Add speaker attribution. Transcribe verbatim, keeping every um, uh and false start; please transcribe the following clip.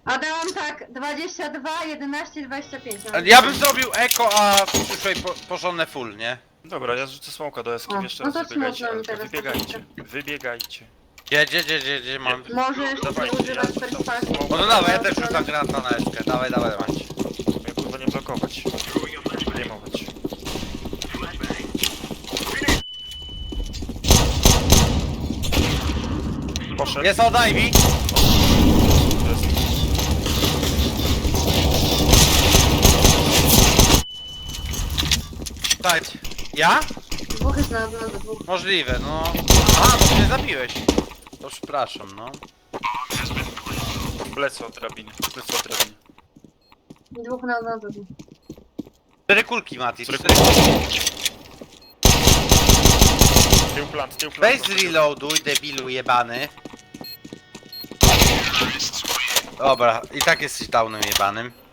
Speaker 1: A dałam tak, dwadzieścia dwa, jedenaście, dwadzieścia pięć. No.
Speaker 2: Ja bym zrobił eko, a w przyszłej po, porządne full, nie?
Speaker 3: Dobra, ja rzucę smoka do eski,
Speaker 1: O,
Speaker 3: jeszcze
Speaker 1: no
Speaker 3: raz
Speaker 1: to
Speaker 3: wybiegajcie,
Speaker 1: smutno mi
Speaker 3: ale
Speaker 1: teraz
Speaker 3: wybiegajcie, wybiegajcie.
Speaker 2: Gdzie, gdzie, gdzie, gdzie, gdzie mam?
Speaker 1: Może jeszcze nie
Speaker 3: Dawajcie,
Speaker 1: używać
Speaker 3: ja
Speaker 1: perswazji.
Speaker 3: rzucam
Speaker 2: No to dawaj, ja też rzucam granata na eskę. Dawaj, dawaj, dawaj.
Speaker 3: Ja kurwa nie blokować. Zdejmować. Poszedł.
Speaker 2: Jest od Ivy.
Speaker 3: Jest.
Speaker 2: Tak. Ja?
Speaker 1: Dwóch jest na dole, dwóch.
Speaker 2: Możliwe, no. A, bo mnie zabiłeś. To przepraszam, no.
Speaker 3: Plecy od drabiny, plecy od drabiny.
Speaker 1: Dwóch na dole.
Speaker 2: Cztery kulki, Mati.
Speaker 3: Cztery
Speaker 2: Cztery kulki.
Speaker 3: Tył plant, tył plant.
Speaker 2: Weź zreloaduj, debilu jebany. Dobra, i tak jesteś downem jebanym.